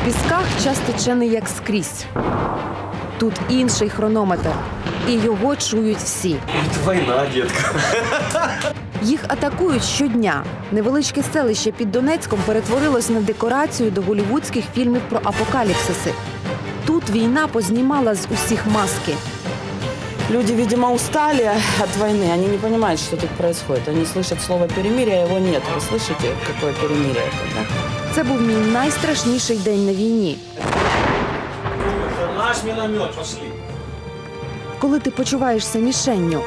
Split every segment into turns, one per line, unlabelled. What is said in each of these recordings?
Пісках час тече не як скрізь. Тут інший хронометр. І його чують всі.
Це війна, дітка.
Їх атакують щодня. Невеличке селище під Донецьком перетворилось на декорацію до голлівудських фільмів про апокаліпсиси. Тут війна познімала з усіх маски.
Люди, видимо, устали от войны. Они не понимают, что тут происходит. Они слышат слово «перемирие», а его нет. Вы слышите, какое перемирие это, да?
Це був мій найстрашніший день на війні.
Наш міномет, пошли.
Коли ти почуваєшся мішенню.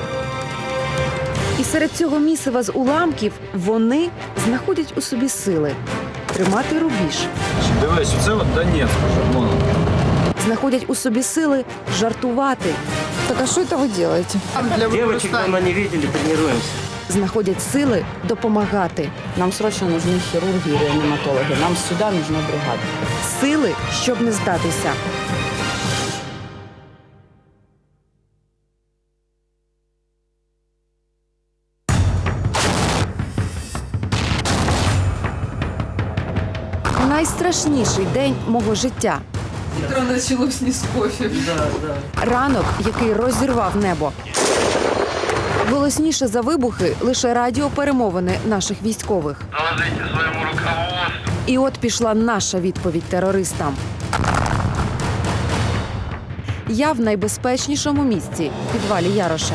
І серед цього місива з уламків вони знаходять у собі сили тримати рубіж.
Дивись, це от Донецьк вже, вон.
Знаходять у собі сили жартувати.
Так а что это вы делаете?
Девочек давно не видели, тренируемся.
Знаходять сили допомагати.
Нам срочно нужны хирурги и реаниматологи. Нам сюда нужна бригада.
Сили, щоб не здатися. Найстрашніший день мого життя.
Утро началось не с кофе.
Ранок, який розірвав небо. Голосніше за вибухи лише радіоперемовини наших військових.
Доложите своему руководству.
І от пішла наша відповідь терористам. Я в найбезпечнішому місці – підвалі Яроша.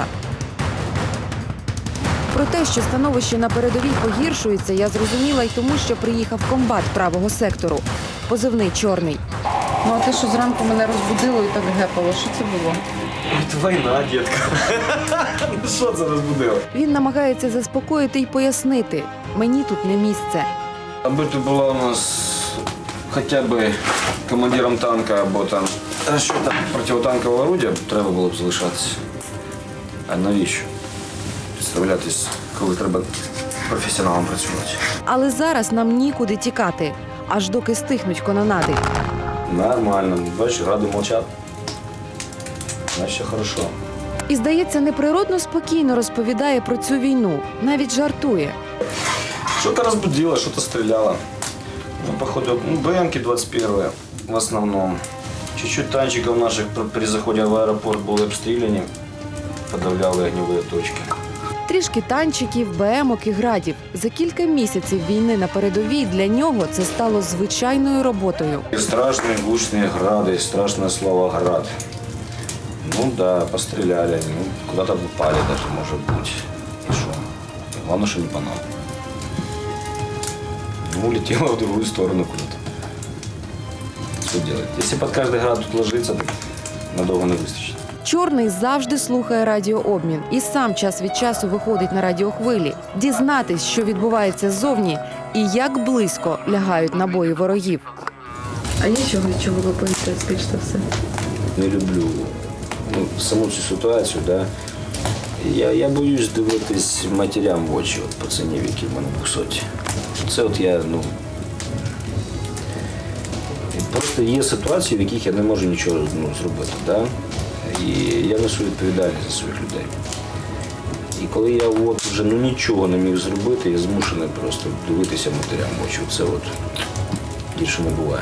Про те, що становище на передовій погіршується, я зрозуміла й тому, що приїхав комбат правого сектору. Позивний «Чорний».
Ну а ти що зранку мене розбудило і так гепало? Що це було?
Це війна, дітка. Що це розбудило?
Він намагається заспокоїти й пояснити – мені тут не місце.
Аби ти була у нас хоча б командиром танка або там розчетом противотанкового орудия, треба було б залишатися. А навіщо? Підставлятись, коли треба професіоналом працювати.
Але зараз нам нікуди тікати, аж доки стихнуть канонади.
Нормально. Бачиш, ради мовчать. Значить, все хорошо.
І, здається, неприродно спокійно розповідає про цю війну, навіть жартує.
Что-то разбудило, что-то стреляло. Ну, походу, БМки 21 в основном. Чуть-чуть танчиков наших при заходе в аэропорт были обстреляны, подавляли огневые точки.
Трішки танчиків, БМок і градів. За кілька місяців війни на передовій для нього це стало звичайною роботою.
И страшные гучные грады, страшное слово «град». Ну да, постреляли, ну, куда-то попали даже, может быть. И что? Главное, что не по нам. Ну, улетело в другую сторону куда-то. Что делать? Если под каждый град тут ложиться, так надолго не выстачит.
Чорний завжди слухає радіообмін і сам час від часу виходить на радіохвилі. Дізнатись, що відбувається ззовні і як близько лягають набої ворогів.
А є чого ви боїтеся більш за все?
Не люблю саму цю ситуацію, да. Я боюсь дивитись матерям в очі, от пацанів, які в мене 200. Це от я, просто є ситуації, в яких я не можу нічого зробити, да. І я несу відповідальність за своїх людей. І коли я от вже нічого не міг зробити, я змушений просто дивитися матерям в очі. Це от більше не буває.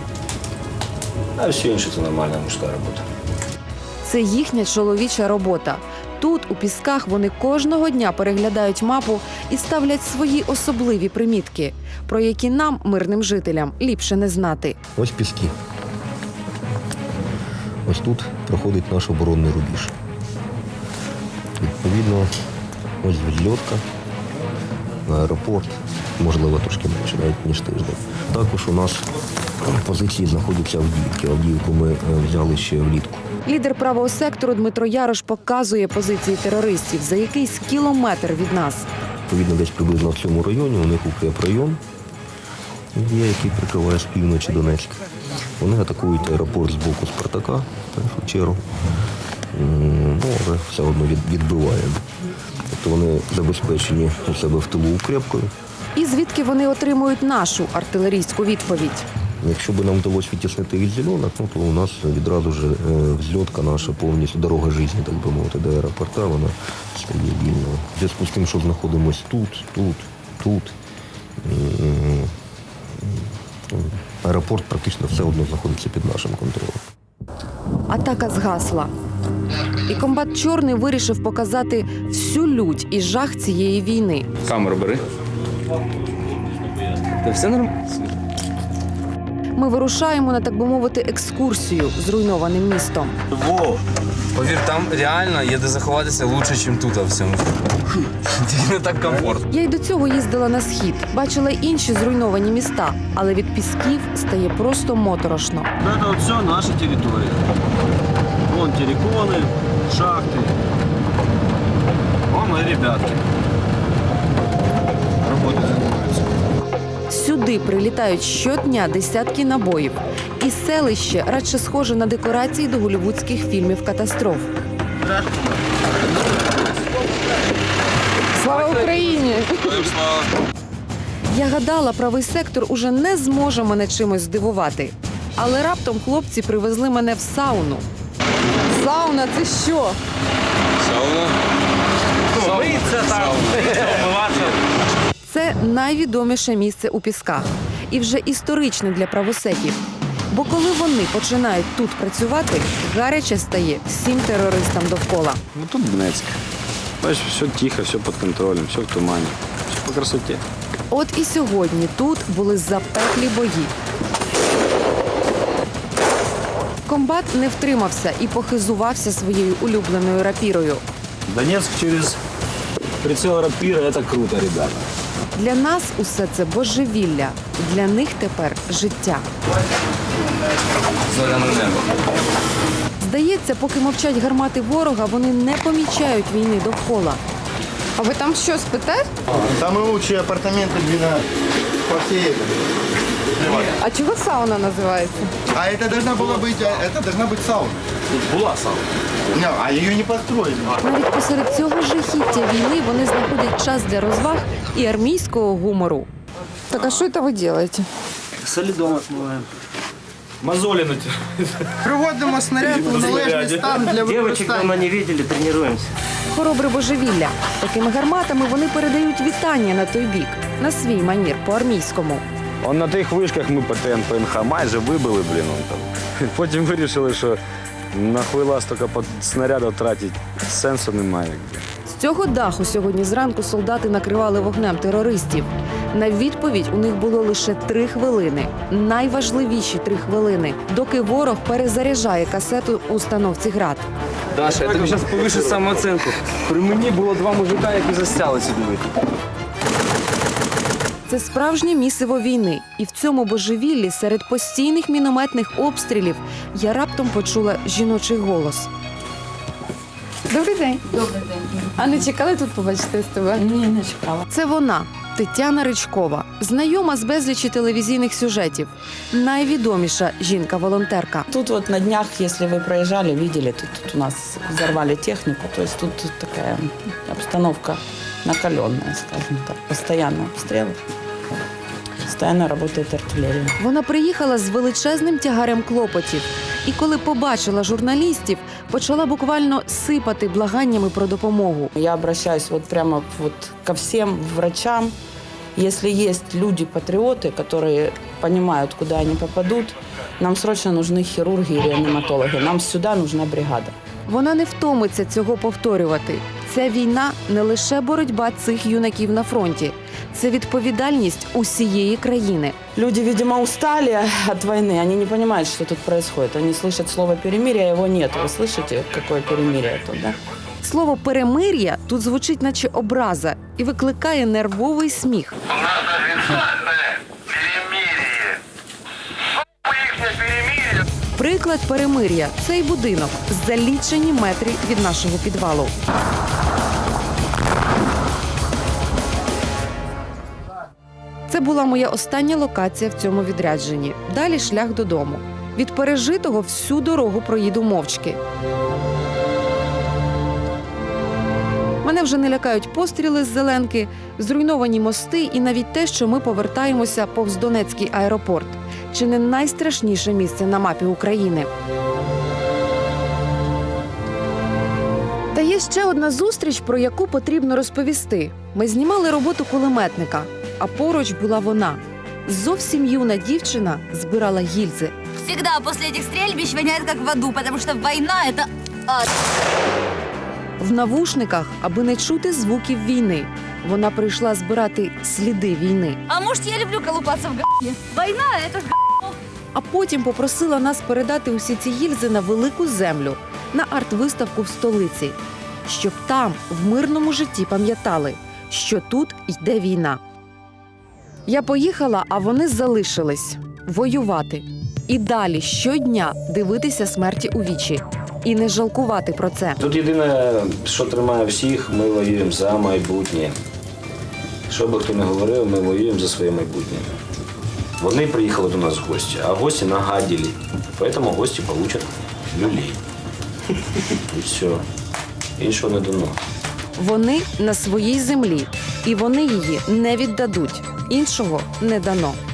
А все інше – це нормальна мужська робота.
Це їхня чоловіча робота. Тут, у Пісках, вони кожного дня переглядають мапу і ставлять свої особливі примітки, про які нам, мирним жителям, ліпше не знати.
Ось Піски. Ось тут проходить наш оборонний рубіж. Відповідно, ось відльотка, аеропорт, можливо, трошки менше, навіть ніж тиждень. Також у нас позиції знаходяться Авдіївки. Авдіївку ми взяли ще влітку.
Лідер правого сектору Дмитро Ярош показує позиції терористів за якийсь кілометр від нас.
Відповідно, десь приблизно в цьому районі у них укрепрайон є, який прикриває з півночі Донецьк. Вони атакують аеропорт з боку Спартака, в першу чергу. Але все одно відбиваємо. Тобто вони забезпечені у себе в тилу укрепкою.
І звідки вони отримують нашу артилерійську відповідь?
Якщо б нам вдалося відтіснити від зеленок, то у нас відразу ж взльотка наша повністю, дорога життя, так би мовити, до аеропорта, вона стає вільною. В зв'язку з тим, що знаходимося тут, Аеропорт практично все одно знаходиться під нашим контролем.
Атака згасла. І комбат Чорний вирішив показати всю лють і жах цієї війни.
Камеру бери. Та все нормально.
Ми вирушаємо на, так би мовити, екскурсію зруйнованим містом.
Повір, там реально є де заховатися лучше, ніж тут у всьому. Не так комфортно.
Я й до цього їздила на схід, бачила й інші зруйновані міста, але від пісків стає просто моторошно.
Это вот все наша территория. Вон терриконы, шахты. Вон мои ребятки. Работой занимаются.
Сюди прилітають щодня десятки набоїв. І селище радше схоже на декорації до голлівудських фільмів катастроф. Слава Україні! Я гадала, правий сектор уже не зможе мене чимось здивувати. Але раптом хлопці привезли мене в сауну. Сауна – це що?
Мыться там, умываться.
Це найвідоміше місце у Пісках. І вже історичне для правосеків. Бо коли вони починають тут працювати, гаряче стає всім терористам довкола.
Ну тут Донецьк. Бачиш, все тихо, все під контролем, все в тумані, все по красоті.
От і сьогодні тут були запеклі бої. Комбат не втримався і похизувався своєю улюбленою рапірою.
Донецк через прицел рапира – это круто, ребята.
Для нас усе це божевілля, для них тепер життя.
Зоряне небо.
Здається, поки мовчать гармати ворога, вони не помічають війни довкола.
А ви там що, спите?
Самые лучшие апартаменты по всей этой.
А чого сауна називається?
А это должна быть сауна.
Була сауна.
Не, а ее не построили.
Навіть посеред цього жахіття війни вони знаходять час для розваг і армійського гумору.
Так, а що це ви робите?
Солидом отмываем. Мозоли натираем.
Приводимо снаряд у належний стан для
Девочек
використання.
давно не видели, тренируемся.
Хоробре божевілля. Такими гарматами вони передають вітання на той бік, на свій манір по-армійському.
Он на тих вишках ми по ТНПНХ майже вибили, блін, он там. Потім вирішили, що на хвилас тільки по снаряду тратити сенсу немає.
З цього даху сьогодні зранку солдати накривали вогнем терористів. На відповідь у них було лише 3 хвилини. Найважливіші 3 хвилини, доки ворог перезаряджає касету у установці «Град».
Даша, я тобі зараз повишу самооцінку. При мені було 2 мужика, які застяли сюди.
Це справжнє місиво війни. І в цьому божевіллі серед постійних мінометних обстрілів я раптом почула жіночий голос.
Добрий день. Добрий день. А не чекали тут побачити з тебе?
Ні, не чекала.
Це вона, Тетяна Ричкова, знайома з безлічі телевізійних сюжетів. Найвідоміша жінка-волонтерка.
Тут вот на днях, если вы проезжали, видели, тут у нас взорвали технику, то есть тут такая обстановка накаленная, скажем так, постоянно обстрелы, постоянно работает артиллерия.
Вона приїхала з величезним тягарем клопотів. І коли побачила журналістів, почала буквально сипати благаннями про допомогу.
Я обращаюсь вот прямо вот ко всем врачам. Если есть люди-патриоты, которые понимают, куда они попадут, нам срочно нужны хирурги и реаниматологи. Нам сюда нужна бригада.
Вона не втомиться цього повторювати. Ця війна не лише боротьба цих юнаків на фронті. Це відповідальність усієї країни.
Люди, видимо, устали от войны. Они не понимают, что тут происходит. Они слышат слово «перемирие», его нет. Вы слышите, какое перемирие тут, да?
Слово «перемир'я» тут звучить наче образа і викликає нервовий сміх.
У нас официальное перемирие. Ихнее перемирие.
Приклад перемир'я – цей будинок за лічені метри від нашого підвалу. Це була моя остання локація в цьому відрядженні. Далі шлях додому. Від пережитого всю дорогу проїду мовчки. Мене вже не лякають постріли з зеленки, зруйновані мости і навіть те, що ми повертаємося повз Донецький аеропорт. Чи не найстрашніше місце на мапі України? Та є ще одна зустріч, про яку потрібно розповісти. Ми знімали роботу кулеметника, а поруч була вона. Зовсім юна дівчина збирала гільзи.
Всегда после этих стрельбищ воняет как в аду, потому что война – это ад.
В навушниках, аби не чути звуків війни. Вона прийшла збирати сліди війни.
А может, я люблю колупаться в г***е? Война – это
А потім попросила нас передати усі ці гільзи на велику землю, на арт-виставку в столиці, щоб там, в мирному житті, пам'ятали, що тут йде війна. Я поїхала, а вони залишились воювати. І далі щодня дивитися смерті у вічі. І не жалкувати про це.
Тут єдине, що тримає всіх, ми воюємо за майбутнє. Що би хто не говорив, ми воюємо за своє майбутнє. Вони приїхали до нас в гості, а гості нагадили. Тому гості получать люлей. І все. Іншого не дано.
Вони на своїй землі, і вони її не віддадуть. Іншого не дано.